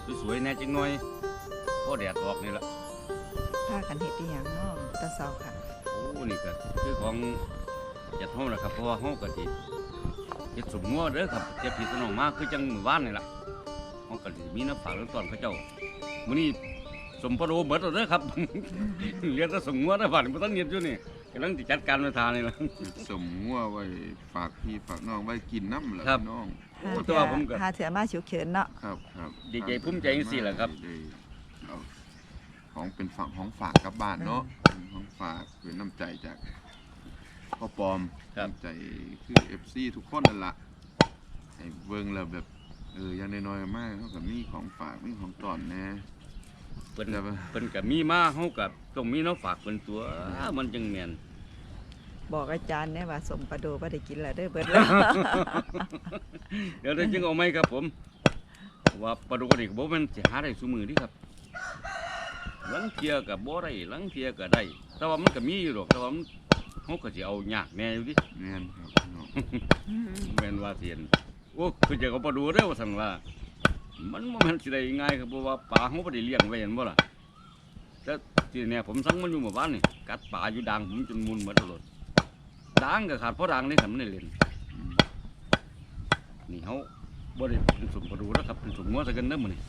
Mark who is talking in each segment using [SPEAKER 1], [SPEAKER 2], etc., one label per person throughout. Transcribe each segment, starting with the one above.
[SPEAKER 1] สวยๆแน่จังหน่อยพอแดดออกนี่ละ
[SPEAKER 2] พากันเฮ็ดอีหยังเนาะตะเซาค่ะ
[SPEAKER 1] โอ้นี่ก็คือของจัดเฮาล่ะครับเพราะว่าเฮาก็สิเฮ็ดสมงัวเด้อครับเจ็บพี่น้องมาคือจังมื้อวานนี่ล่ะเฮาก็สิมีน้ำฝากน้ำต้อนเขาเจ้ามื้อนี้สมปะโดเบิดแล้วเด้อครับ เรียกแต่สมงัวเด้อบ้านบ่ทันเฮ็ดอยู่นี่กำลังสิจัดการมาทานนี่ล่ะ
[SPEAKER 3] สมงัวไว้ฝากพี่ฝากน้องไว้กินน้ำแหละ
[SPEAKER 1] ครับ
[SPEAKER 3] พี่น้อง
[SPEAKER 1] โอ้แต่ว่าผมก็
[SPEAKER 2] หาเถื่อมาฉุกเฉินเนาะ
[SPEAKER 3] ครับครับ
[SPEAKER 1] ดีใจภูมิใจจังซี่แหละครับ
[SPEAKER 3] ได้เอาของเป็นฝั่งของฝากกลับบ้านเนาะของฝากเป็นน้ำใจจากพ่อปอม
[SPEAKER 1] ครับ
[SPEAKER 3] น้ำใจคือ FC ทุกคนนั่นล่ะให้เบิ่งแล้วแบบอย่างน้อยๆมากเท่ากับมีของฝากมีของตอนแน่
[SPEAKER 1] เพิ่น
[SPEAKER 3] แต่ว่า
[SPEAKER 1] เพิ่นก็มีมาเฮาก็ต้องมีน้ำฝากเพิ่นตัวมันจังแม่น
[SPEAKER 2] บอกอาจารย์เนี่ยว่าสมปลาโดบ่ได้กินแล้วเด้อเบิดแล้ว
[SPEAKER 1] เดี๋ยวจึงเอาไหมครับผมว่าปลาดุกนี่ก็บ่แม่นสิหาได้ซุมื้อนี่ครับลังเที่ยก็บ่ได้ลังเที่ยก็ได้ แต่ว่ามันก็มีอยู่ดอกแต่ว่ามันเฮาก็สิเอายากแน่อยู่ดิ
[SPEAKER 3] แม่นครับพี่น้อง
[SPEAKER 1] แม่นว่าเสียนโอ้คือจะเอาปลาดุกเด้อว่าซั่นว่ามันบ่แม่นสิได้ง่ายครับเพราะว่าปลาเฮาบ่ได้เลี้ยงไว้เห็นบ่ล่ะแต่ที่เนี่ยผมสั่งมันอยู่หมู่บ้านนี่กัดปลาอยู่ดังผมจนมุนหมดแล้วด่างก็ขาดเพราะด่างนี่ครับมันได้เล่น
[SPEAKER 3] อืม
[SPEAKER 1] นี่เขาบ่ได้เป็นสมปดูแล้วครับเป็นสมงัวซะกันเด้อมื้อนี้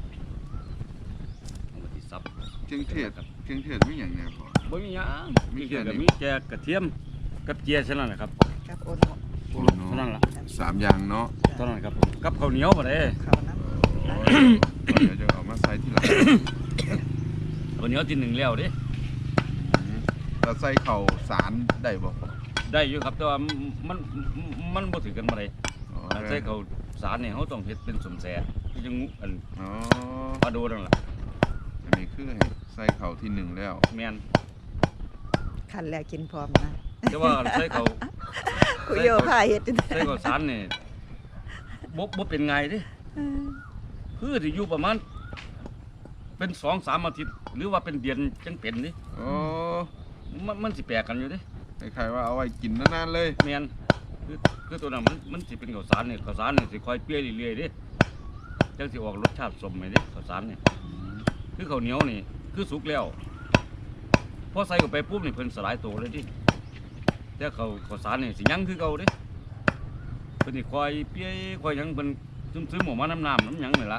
[SPEAKER 1] เอามาที่ซับ
[SPEAKER 3] เครื่องเทศ
[SPEAKER 1] ครับ
[SPEAKER 3] เครื่องเทศมีหยังแน่พอ
[SPEAKER 1] บ่มีหยัง
[SPEAKER 3] มี
[SPEAKER 1] มี
[SPEAKER 3] แค่
[SPEAKER 1] แค่
[SPEAKER 3] นี้
[SPEAKER 1] มีแค่กระเทียมกับเจียเท่านั้นแหละครับ
[SPEAKER 2] กับโอนหมด
[SPEAKER 3] โอ้
[SPEAKER 1] เท่านั้นล่ะ
[SPEAKER 3] สามอย่างเนาะ
[SPEAKER 1] เท่านั้นครับผมกับข้าวเหนียวบ่ได้
[SPEAKER 2] เขาน้
[SPEAKER 3] โอ้ยเดี๋ยวจะเอามาใส่ที่หลัง
[SPEAKER 1] ข้าวเหนียวที่หนึ่งแล้วเด้
[SPEAKER 3] เราใส่เข่าสารได้บ่พอ
[SPEAKER 1] ได้อยู่ครับแต่ว่ามันบ่ถือกันบ่ได้
[SPEAKER 3] อ๋อ
[SPEAKER 1] ใส่ข้าวสารนี่เฮาต้องเฮ็ดเป็นสมแสคือจังอัน
[SPEAKER 3] อ๋อ
[SPEAKER 1] ปลาโดนั่นล่ะ
[SPEAKER 3] อันนี้คือให้ใส่เข่าที่หนึ่งแล้ว
[SPEAKER 1] แม่น
[SPEAKER 2] ำคันแล้วกินพร้อมนะ
[SPEAKER 1] แต่ว่าใส่ข้าว
[SPEAKER 2] คุยโยพาเฮ็ดจัง
[SPEAKER 1] ใส่ข้าวสารนี่บ่เป็นไงเด้ คือที่อยู่ประมาณเป็น2-3 อาทิตย์หรือว่าเป็นเดือนจังเป็นนี่
[SPEAKER 3] โอ้
[SPEAKER 1] มันสิแปลกกันอยู่เดิ
[SPEAKER 3] คล้ายๆว่าเอาไว้กินนานๆเลย
[SPEAKER 1] แม่นคือตัวนั้นมันสิเป็นข้าวสารนี่ข้าวสารนี่สิค่อยเปรี้ยเรื่อยๆเดิจังสิออกรสชาติสมไปเดิข้าวสารนี่คือข้าวเหนียวนี่คือสุกแล้วพอใส่เข้าไปปุ๊บนี่เพิ่นสลายตัวเลยดิแต่ข้าวสารนี่สิยังคือเก่าเดิเพิ่นสิค่อยเปรี้ยค่อยหยังเพิ่นซึมๆออกมาน้ำน้ำหยังนี่ล่ะ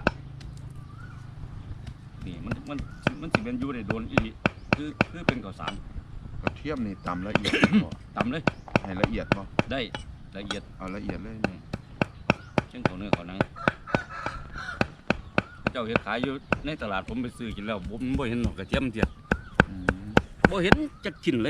[SPEAKER 1] นี่มันสิเป็นอยู่ได้โดนอีหลีคือเป็นข้าวสาร
[SPEAKER 3] กระเทียมนี่ตำละเอียดบ่
[SPEAKER 1] ตำเลย
[SPEAKER 3] ให้ละเอียดบ่
[SPEAKER 1] ได้ละเอียด
[SPEAKER 3] เอาละเอียดเลย
[SPEAKER 1] เช่นเขาเนื้อเขาหนังเจ้าเห็ดขายอยู่ในตลาดผมไปซื้อกินแล้วผมบ่เห็นหรอกกระเทียมเทียด
[SPEAKER 3] อืม
[SPEAKER 1] บ่เห็นจักชิ้นเลย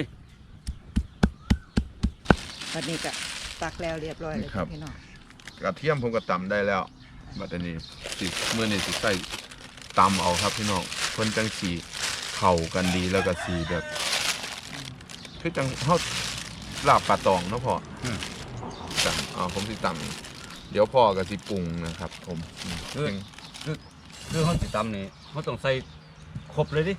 [SPEAKER 2] วันนี้ก็ตักแล้วเรียบร้อยเลยจ้ะพี่น้อง
[SPEAKER 3] กระเทียมผมก็ตำได้แล้วบัดนี้สิมื้อนี้สิใส่ตำเอาครับพี่น้องเพิ่นจังสีเข้ากันดีแล้วก็สีแบบคือจังเฮาลาบปลาตองเนาะพ่อ ตำผมสิตำเดี๋ยวพ่อก็สิปรุงนะครับ ผมเพิ่ง
[SPEAKER 1] คือเขาสิตำนี่เขาต้องใส่ครบเลยดิ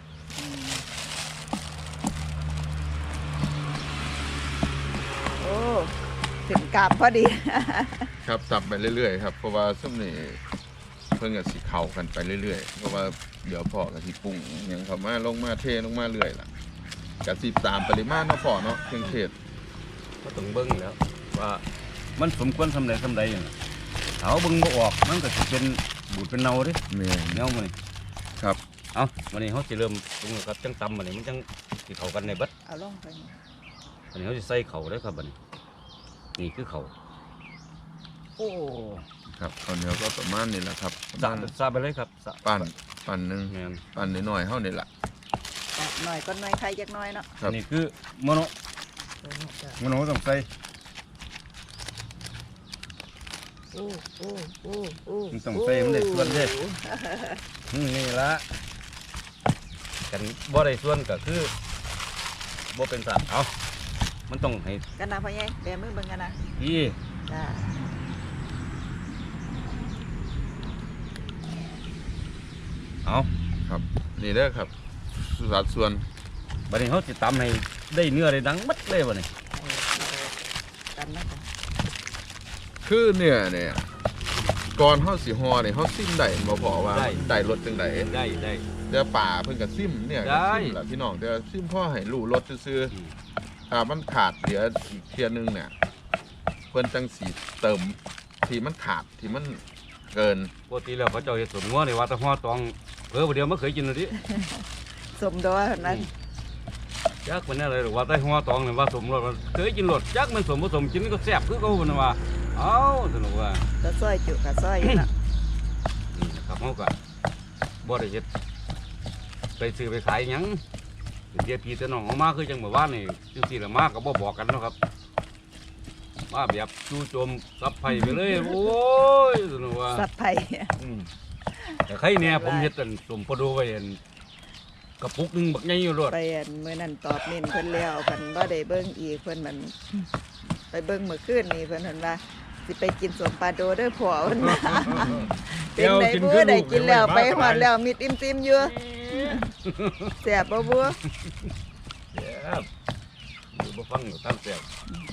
[SPEAKER 2] โอ้ถึงกาบพอดี
[SPEAKER 3] ครับตำไปเรื่อยๆครับเพราะว่าซุ่มนี่เพิ่งก็สิเข้ากันไปเรื่อยๆเพราะว่าเดี๋ยวพ่อก็สิปรุงหยังเข้ามาลงมาเทลงมาเรื่อยล่ะก็สิตามปริมาณเนาะพ่อเนาะเครื่องเทศ
[SPEAKER 1] เขาต้องเบิ่งแล้วว่ามันสมควรทำใดอย่างนั้นเอาเบิ่งบ่ออกมันก็สิเป็นบูดเป็นเน่าดิ
[SPEAKER 3] แม่น
[SPEAKER 1] แนวมันนี่
[SPEAKER 3] ครับ
[SPEAKER 1] เอาวันนี้เขาสิเริ่มปรุงแล้วครับจังตำมันนี่มันจังสิเข้ากันในเบัด
[SPEAKER 2] เอาลงไปนี่
[SPEAKER 1] วันนี้เขาสิใส่เข่าได้อครับบัดนี้นี่คือเข่าโอ้
[SPEAKER 3] ครับข้าวเหนียวก็ประมาณนี้แหละครับ
[SPEAKER 1] ซาไปเลยครับสะ
[SPEAKER 3] ปั่นหนึง
[SPEAKER 1] แม่น
[SPEAKER 3] ปั่นน้อยๆเฮานี่ล่ะ
[SPEAKER 2] ตักหน่อยก็หน่อยใครจักหน่อยเนาะ
[SPEAKER 3] ครับ
[SPEAKER 1] นี่คือโมโน
[SPEAKER 2] โอ้โหจ้ะ
[SPEAKER 1] โมโนต้องใส่
[SPEAKER 2] โอ้โอ้โอ้โอ้
[SPEAKER 1] มันต้องใส่มันได้ส่วนเด้นี่ละกันบ่ได้ส่วนก็คือบ่เป็นสัตว์เอามันต้องให้
[SPEAKER 2] กันนะพ่อใหญ่แบมือเบิ่งกันนะ
[SPEAKER 1] พี่
[SPEAKER 2] จ้า
[SPEAKER 1] เอา
[SPEAKER 3] ครับนี่เด้อครับสัดส่วน
[SPEAKER 1] บัดนี้เขาสิตำให้ได้เนื้อได้ดังมัดเลยบัดนี้
[SPEAKER 2] กันนะจ้ะ
[SPEAKER 3] คือเนื้อเนี่ยก่อนเฮาสิฮอนี่เฮาซิมได้บ่พอว่าได้รสจังได๋
[SPEAKER 1] ได้
[SPEAKER 3] แต่ป่าเพิ่นก็ซิมเนี่ย
[SPEAKER 1] ได้
[SPEAKER 3] ก็ซิมล่ะพี่น้องแต่ซิมพ่อให้รู้รสซื่อๆมันขาดเหลืออีกเที่ยนึงเนี่ยเพิ่นจังสิเติมที่มันขาดที่มันเกิน
[SPEAKER 1] ปกติแล้วเขาเจ้าเฮ็ดสมงัวนี่ว่าแต่ฮอตองเพิ่นบ่เดียวบ่เคยกินเลยดิ
[SPEAKER 2] สมดอเท่านั้น
[SPEAKER 1] จักมันอะไรหรอกว่าแต่ฮอตองนี่ว่าสมรสมันเคยกินรสจักมันสมบ่สมกินก็แซ่บคือเก่าพุ่นน่ะว่าเอ้าสนุกว่า
[SPEAKER 2] ก็ซอยจุก็ซอยอยู่เนาะ
[SPEAKER 1] นี่นะครับเฮาก็บ่ได้เฮ็ดไปซื้อไปขายหยังเป็นเดียพี่แต่น้องเอามาคือจังเมื่อวานนี่จังซี่ล่ะมาก็บ่บอกกันเนาะครับมาแบบจู่โจมซับไผไปเลยโอ้ยสนุกว่า
[SPEAKER 2] สับไผ่
[SPEAKER 1] แต่ใครเนี่ยผมเฮ็ดอันสมพอดูไว้อันกระปุกหนึงบักใหญ่อยู่รถ
[SPEAKER 2] ไปอันมื้อนั้นตอบเน้นเพิ่นแล้วเพิ่นบ่ได้เบิ่งอีกเพิ่นมันไปเบิ่งมื้อคืนนี่เพิ่นว่าสิไปกินสมปลาโดเด้อพ่อเพิ่นว่าเป็นได้บ่ได้กินแล้วไปฮอดแล้วมิดอิ่มๆอยู่แซ่บบ่บัว
[SPEAKER 1] แซ่บอยู่บ่ฟังอยู่ตามแซ่บ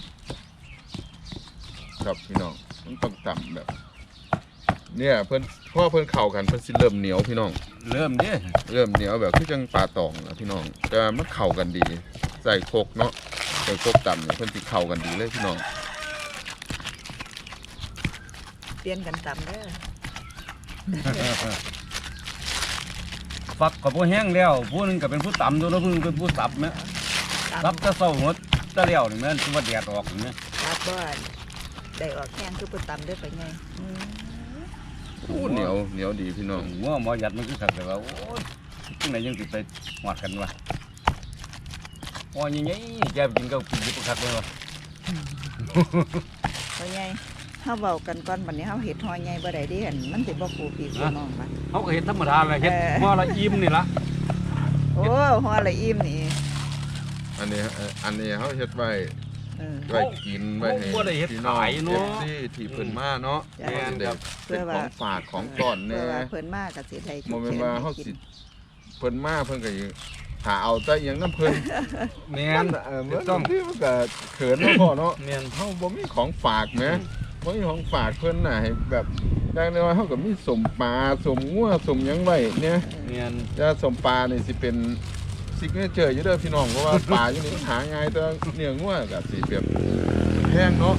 [SPEAKER 3] ครับพี่น้องมันต้องต่ำแบบ เนี่ยเพิ่นพ่อเพิ่นเข้ากันเพิ่นสิเริ่มเหนียวพี่น้อง
[SPEAKER 1] เริ่มเด้
[SPEAKER 3] เริ่มเหนียวแบบคือจังปลาตองนะพี่น้องแต่มันเข้ากันดีใส่โคกเนาะใส่โคกต่ำเนี่ยเพิ่นสิเข้ากันดีเลยพี่น้อง
[SPEAKER 2] เปลี่ยนกันตำเด้อ
[SPEAKER 1] ฟักก็บ่แห้งแล้วผู้หนึงก็เป็นผู้ตำอยู่แล้วผู้หนึงเป็นผู้สับแม่สับ
[SPEAKER 2] ตำ
[SPEAKER 1] แต่เช้าหมดแต่แล้วนี่แม่นสิว่าแดดออกนี่แม่
[SPEAKER 2] ครับบ่ได้ออกแข้งคือผู้ตำเด้อไปไง
[SPEAKER 3] อู้เหนียวดีพี่น้อง
[SPEAKER 1] งัวหมอยัดมันคือคักแต่ว่าโอ้ยจังไดยังสิไปหอดกันวะโอ้ยใหญ่ๆแกไปกินก็กินอยู่คักเลยวะ
[SPEAKER 2] ไปไงเฮาเว้ากันก่อนบัดนี้เฮาเฮ็ดฮอใหญ่บ่ได้เด้หั่นมันสิบ่ฟูพี่ฟูน้องบัด
[SPEAKER 1] เขาก็เฮ็ดธรรมดาแหละเฮ็ดหม้อละอิ่มนี่ล่ะ
[SPEAKER 2] โอ้ฮอละอิ่มนี่
[SPEAKER 3] อันนี้เฮาเฮ็ดไว้
[SPEAKER 2] เออ
[SPEAKER 3] ไว้กินไว้ให้
[SPEAKER 1] บ่ได้เฮ็ด
[SPEAKER 3] พี่น้อง
[SPEAKER 1] ขายเนาะ
[SPEAKER 3] FC ที่เพิ่นมาเนาะ
[SPEAKER 2] จ้ะ
[SPEAKER 3] เพิ่นได้เป็นของฝากของต้อน
[SPEAKER 2] เพื่
[SPEAKER 3] แน่
[SPEAKER 2] อว่าเพิ่นมาก็สิได้
[SPEAKER 3] บ่แม่นว่าเฮาสิเพิ่นมาเพิ่นก็สิหาเอาแต่อหยังนำเพิ่น
[SPEAKER 1] แม่น
[SPEAKER 3] มันต้องที่มันก็เขินเนาะพ่อเนาะ
[SPEAKER 1] แม่น
[SPEAKER 3] เฮาบ่มีของฝากแหมบ่มีของฝากเพิ่นน่ะให้แบบอย่างน้อยเฮาก็มีสมปลาสมงัวสมหยังไว้เนี่ย
[SPEAKER 1] แม่น
[SPEAKER 3] แต่สมปลานี่สิเป็นซิกเนเจอร์อยู่เด้อพี่น้องเพราะว่าปลาอยู่นี่มันหาง่ายแต่เนื้องัวก็สิแบบแพงเนาะ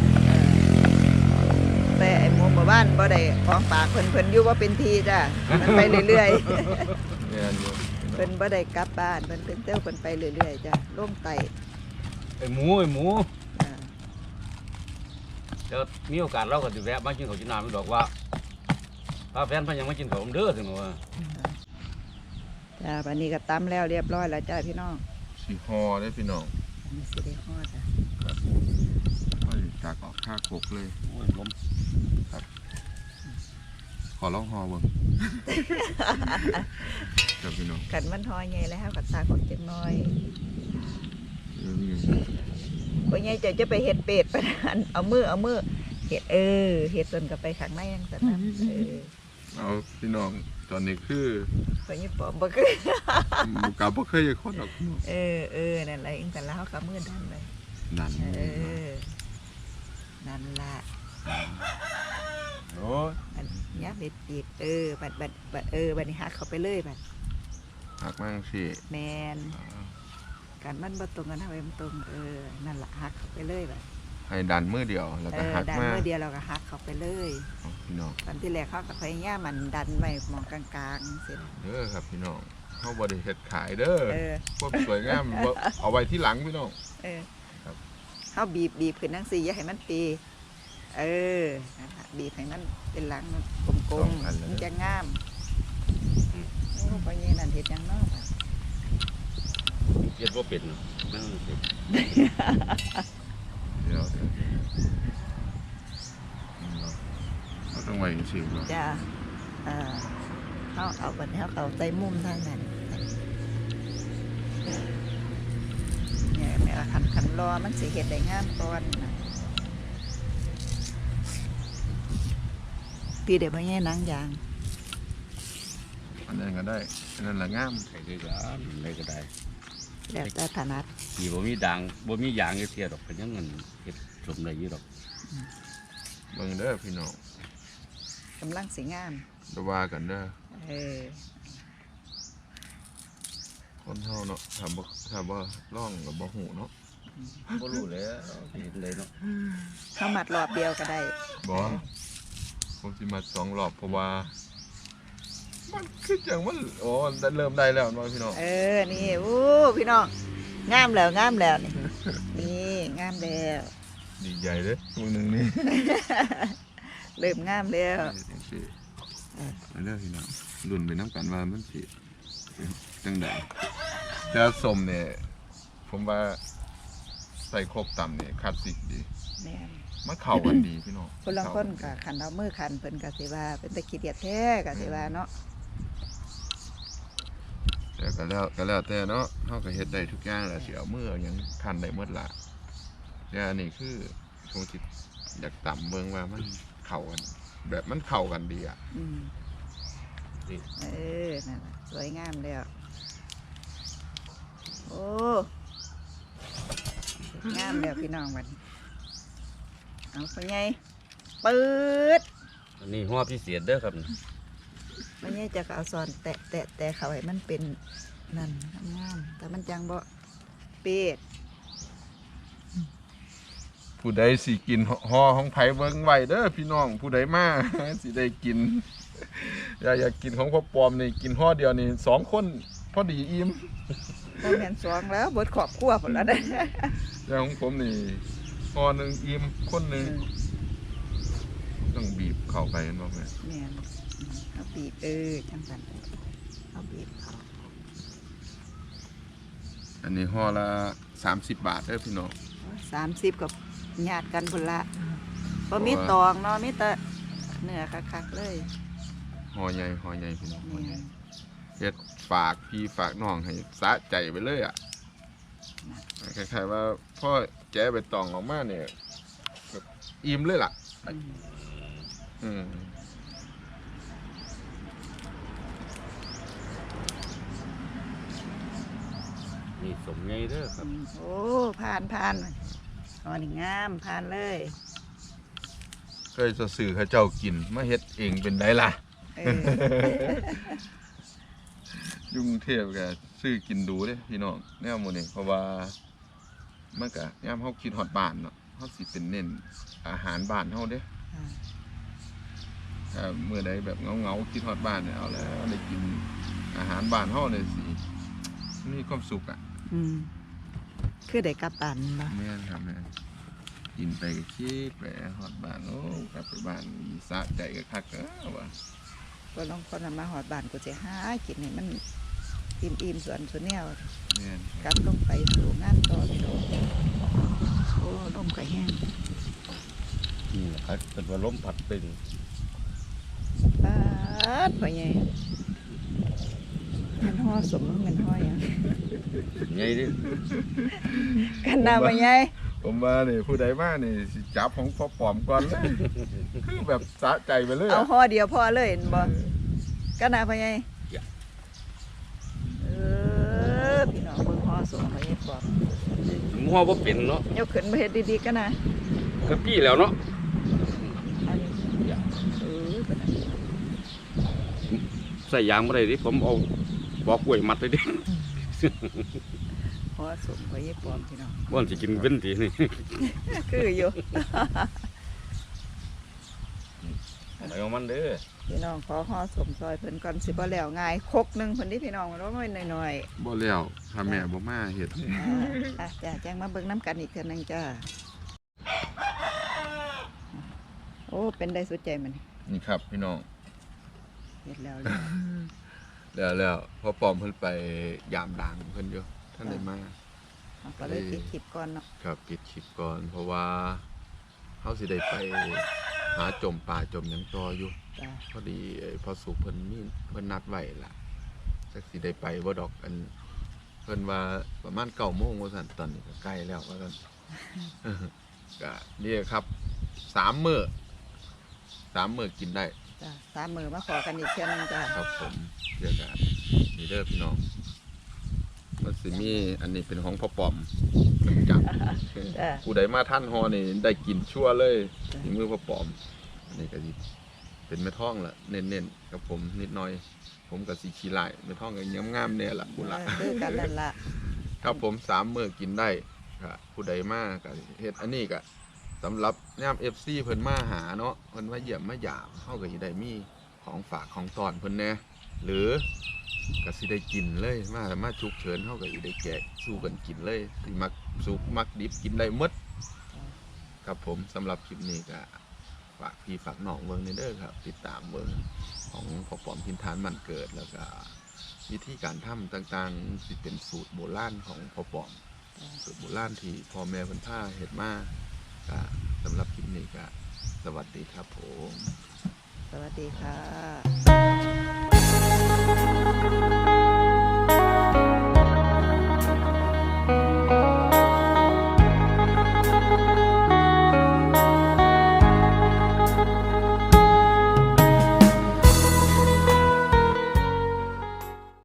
[SPEAKER 2] แต่ไอ้หมู่บ้านบ่ได้ของฝากเพิ่นอยู่ว่าเป็นทีจ้ะมันไปเรื่อย
[SPEAKER 3] เนี่ยอยู่
[SPEAKER 2] ๆเพิ่นบ่ได้กลับบ้านเพิ่นเป็นเต้าเพิ่นไปเรื่อยๆจ้ะลงไต่
[SPEAKER 1] ไอ้หมู
[SPEAKER 2] อ่า
[SPEAKER 1] เดี๋ยวมีโอกาสเราก็สิแวะมากินข้าวกินน้ำอีกดอกว่าถ้าแฟนเพิ่นยังมากินข้าวผมเด้อถึงว่า
[SPEAKER 2] จ้ะบัดนี้ก็ตำแล้วเรียบร้อยแล้วจ้ะพี่น้อง
[SPEAKER 3] สิฮอเด้อพี่น้อง
[SPEAKER 2] อันนี้สิได้ฮอดจ้ะ
[SPEAKER 3] เอ้ยจากออกค่าโคกเลย
[SPEAKER 1] โอ้ยผม
[SPEAKER 3] ขอลองฮอเบิ่งครับพี่น้อง
[SPEAKER 2] กันมันฮอใหญ่แล้วก็ซากของจักหน่อย
[SPEAKER 3] นี่
[SPEAKER 2] บ่ใหญ่จะไปเฮ็ดเป็ดปานนั้นเอามือเฮ็ดเฮ็ดจนก็ไปข้างในจังซั่นน่ะ
[SPEAKER 3] เอาพี่น้องตอนนี้คือ
[SPEAKER 2] เพิ่นสิปอมบ่คือ
[SPEAKER 3] บุกาบ่เคยจะคนดอกพี่น้อง
[SPEAKER 2] นั่นแหละจังซั่นแล้วเขาก็มือดันเลย
[SPEAKER 3] นั่น
[SPEAKER 2] นั่นล่ะ
[SPEAKER 1] โอ้ย
[SPEAKER 2] อันยับเบ็ดปีกบัดบัดนี้หักเข้าไปเลยบัด
[SPEAKER 3] หักมั่งสิ
[SPEAKER 2] แมนการมันบ่ตรงกันเท่าไหร่มันตรงนั่นล่ะหักเข้าไปเลยบัด
[SPEAKER 3] ให้ดันมือเดียวแล้วก็หัก
[SPEAKER 2] ดัน
[SPEAKER 3] มา
[SPEAKER 2] มือเดียวเราก็หักเข้าไปเลย
[SPEAKER 3] เอาพี่น้อง
[SPEAKER 2] ตอนที่แรกเขาก็พยายามมันดันไว้มองกลางๆสิ
[SPEAKER 3] เด้อครับพี่น้องเฮาบ่ได้เฮ็ดขายเด้อ
[SPEAKER 2] เออ
[SPEAKER 3] ความสวยงามบ่เอาไว้ที่หลังพี่น้อง ครับ
[SPEAKER 2] เขาบีบขึ้นจังซี่อย่าให้มันตีนั่นล่ะบีบให้มันเป็นหลังมันกลมๆมันจะงามโอ้พ่อใหญ่นั่นเฮ็ดหยังเนาะบัด
[SPEAKER 1] เฮ็ดบ่เป็นนั่นสิ
[SPEAKER 3] เดี๋ยวเราต้องไว้จังซี่เนาะ
[SPEAKER 2] จ้ะเขาเอาบัดนี้เขาเอาใส่มุมทางนั้นเนี่ยแม่ว่าคันรอมันสิเฮ็ดได้งามก่อนนะพี่เดี๋ยวพ่อใหญ่หนังยาง
[SPEAKER 3] อันนั้นก็ได้อันนั้นละงาม
[SPEAKER 1] ใส่ด้วยกันได้ก็ได้
[SPEAKER 2] แล้วแต่ถนัด
[SPEAKER 1] ที่บ่มีด่างบ่มียางเทียดอกเป็นยังเงินเฮ็ดสมได้อยู่ดอก
[SPEAKER 3] เบิ่งเด้อพี่น้อง
[SPEAKER 2] กำลังสิงาม
[SPEAKER 3] จะว่ากันเด้อ
[SPEAKER 2] เออ
[SPEAKER 3] คนเฮาเนาะถามว่าร่องกับบ่หูเนาะ
[SPEAKER 1] บ่รู้แล้วเห็นเลยเนาะ
[SPEAKER 2] เข้ามัดรอบเดียวก็ได้
[SPEAKER 3] บ่ผมสิมา2 รอบเพราะว่ามันคือจังมันโอ้เริ่มได้แล้วเนาะพี่น้อง
[SPEAKER 2] เออนี่อู้พี่น้องงามแล้วนี่นี่งามแล้ว
[SPEAKER 3] ดีใหญ่เด้อมื้อนึงนี่
[SPEAKER 2] เริ่มงามแล้ว
[SPEAKER 3] จังซี่อันเด้อพี่น้องรุ่นไปนํกันว่ามันสิจังได๋แต่สมเนี่ยผมว่าใส่ครบตำนี่คลาสสิกดี
[SPEAKER 2] แม่น
[SPEAKER 3] มันเข้ากันดีพี่น้อง
[SPEAKER 2] คนละคนก็ขันเอามือขันเพิ่นก็สิว่าเป็นตะขี้เดียดแท้ก็สิว่าเนาะ
[SPEAKER 3] แต่ก็แล้วแต่เนาะเฮาก็เฮ็ดได้ทุกอย่างแหละสิเอามือเอาหยังคันได้หมดล่ะแต่อันนี้คือผมสิอยากตำเบิ่งว่ามันเข้ากันแบบมันเข้ากันดีอ่ะ
[SPEAKER 2] อืมเออนั่นน่ะสวยงามแล้วโอ้งามแล้วพี่น้องมันเอาไปไงปืด
[SPEAKER 1] อันนี้หัวพิเศษเด้อครับ
[SPEAKER 2] มันไงจะเอาซอนแตะเขาให้มันเป็นนั่นงามๆแต่มันจังบ่เป็ด
[SPEAKER 3] ผู้ใดสิกินห่อของไผเบิ่งไว้เด้อพี่น้องผู้ใดมา สิได้กิน อยากกินของพ่อปอมนี่กินห่อเดียวนี่2 คนพอดีอิ่ม
[SPEAKER 2] บ่แม่นสองแล้วเบิดครอบครัวพุ่นแล้วเด้อ
[SPEAKER 3] แต่ของผมนี่ห่อหนึงอิ่มคนหนึงต้องบีบเข้าไปเห็นบ่แม่
[SPEAKER 2] แม่นเอาบีบจังซั่นเอาบีบเขา
[SPEAKER 3] อันนี้ห่อละ30 บาทเด้อพี่น้อง
[SPEAKER 2] 30กับญาติกันพุ่นละบ่มีตองเนาะมีแต่เนื้อคักๆเลย
[SPEAKER 3] ห่อใหญ่พี่น้องห่อให
[SPEAKER 2] แม่
[SPEAKER 3] ญ่
[SPEAKER 2] น
[SPEAKER 3] เฮ็ดฝากพี่ฝากน้องให้สะใจไปเลยอ่ะคล้ายๆว่าพ่อแกะใบตองออกมาเนี่ยแบบอิ่มเลยล่ะ
[SPEAKER 2] อืม
[SPEAKER 3] อืม
[SPEAKER 1] นี่สมไงเด้อครับ
[SPEAKER 2] โอ้ผ่านอ๋อนี่งามผ่านเลย
[SPEAKER 3] เคยจะสื่อเขาเจ้ากินมาเฮ็ดเองเป็นได้ล่ะ
[SPEAKER 2] เออ
[SPEAKER 3] ยุ่กรุงเทพก็ซื้อกินดูเด้พี่น้องแนวหมื้นี้เพราะว่ามันก็ยามเฮาคิดฮอดบ้านเนาะเฮาสิเป็นเน้นอาหารบ้านเฮาเด้ถ้ามื้อใดแบบเหงาๆคิดฮอดบ้านเนี่ยเอาแล้วได้กินอาหารบ้านเฮาเนี่ยสิมีความสุขอ่ะ
[SPEAKER 2] อืมคือได้กลับบ้านบ่
[SPEAKER 3] แม่นครับแม่นกินไปก็คิดไปฮอดบ้านโอ้กลับไปบ้านสะใจก็คักเด้อว่า
[SPEAKER 2] ก็ลองคนน่ะมาฮอดบ้านกูสิหากินให้มันอิ่มๆสวนสุแนว
[SPEAKER 3] แม่น
[SPEAKER 2] กลับลงไปสู่งานต่อพี่น้องโอ้ลมก็แห้ง
[SPEAKER 1] นี่แหละครับเป็นว่าล้มผัดเป็น
[SPEAKER 2] ปาดพ่อใหญ่มันห่อสมมันห่อหยัง
[SPEAKER 1] ไงเด้อ
[SPEAKER 2] กันน่ะพ่อใหญ่
[SPEAKER 3] ผมมานี่ผู้ใดมานี่สิจับของพ่อปอมก่อนเลย คือแบบสะใจไปเลย
[SPEAKER 2] เอา
[SPEAKER 3] อะ
[SPEAKER 2] ห่อเดียวพอเลยเห็นบ่กันน่ะพ่อใหญ่พี่น้องเบิ่งห่อสมพ่อใหญ่บอก
[SPEAKER 1] หัวบ่เป็นเนาะ
[SPEAKER 2] ยกขึ้นมาเฮ็ดดีๆกันนะ
[SPEAKER 1] ก็พี่แล้วเนาะ
[SPEAKER 2] อันนี้เป็นอันนี้
[SPEAKER 1] ใส่ยางบ่ได้ดิผมเอาบอกกล้วยมัดเลยดิ
[SPEAKER 2] ห่อสมพ่อใหญ่ปลอมพี่น้อง
[SPEAKER 1] บ่อนสิกินเว้นตินี่
[SPEAKER 2] คืออยู่
[SPEAKER 1] อะไรของมันเด้อ
[SPEAKER 2] พี่น้องขอห่อสมซอยเพิ่นก่อนสิบ่แล้วง่ายคกหนึงเพิ่นนี่พี่น้องน้อยๆหน่อย
[SPEAKER 3] บ่แล้วถ้าแม่บ่มาเฮ็ด
[SPEAKER 2] จ้าแจ้งมาเบิ่งน้ำกันอีกเทื่อนึงจ้าโอ้เป็นได้สุดใจมัน
[SPEAKER 3] นี่ครับพี่น้อง
[SPEAKER 2] เฮ็ดแล้ว
[SPEAKER 3] แล้วพ่อปอมเพิ่นไปยามด่างเพิ่นอยู่ท่านได้มา
[SPEAKER 2] เอาก็เลยปิดคลิปก่อนเนาะ
[SPEAKER 3] ครับปิดคลิปก่อน เพราะว่าเฮาสิได้ไปหาจมป่าจมหยังต่ออยู่
[SPEAKER 2] จ้า
[SPEAKER 3] พอดีพอสุกเพิ่นนัดไว้ล่ะจักสิได้ไปบ่ดอกอันเพิ่นว่าประมาณ9:00 นว่าซั่นตอนนี้ก็ใกล้แล้วว่าซั่น ก็นี่ครับ3 มื้อกินได้
[SPEAKER 2] จ้า3 มื้อมาขอกันอีกเทื่อนึงจ้า
[SPEAKER 3] ครับผมเดี๋ยวกันนี่เด้อพี่น้องมันสิมีอันนี้เป็นของพ่อปอมจับ ผู้ใดมาท่านฮอนี่ได้กินชั่วเลยนี่มือพ่อปอมอันนี้ก็สิเป็นเป็นแม่ท้องล่ะเน้นๆกับผมนิดหน่อย ผมกับสีขี้ลายแม่ท้องกับงามๆเนี่ยล่ะคุณล่ะ
[SPEAKER 2] คือกันนั่นล่ะ
[SPEAKER 3] ครับผม3 มื้อกินได้ครับผู้ใดมาก็เฮ็ดอันนี้ก็สำหรับยาม FC เพิ่นมาหาเนาะเพิ่นมาเยี่ยมมาหยามเฮาก็สิได้มีของฝากของตอนเพิ่นแหน่หรือก็สิได้กินเลยมาฉุกเฉินเฮาก็สิได้แจกสู้กันกินเลยสิมักสุกมักดิบกินได้หมดครับผมสำหรับคลิปนี้ก็ฝากพี่ฝากน้องเบิ่งนี่เด้อครับติดตามเบิ่งของพ่อปอมทินทานมันเกิดแล้วก็วิธีการทำต่างๆสิเป็นสูตรโบราณของพ่อปอมสูตรโบราณที่พ่อแม่เพิ่นพาเฮ็ดมาก็สำหรับคลิปนี้ก็สวัสดีครับผม
[SPEAKER 2] สวัสดีค่ะ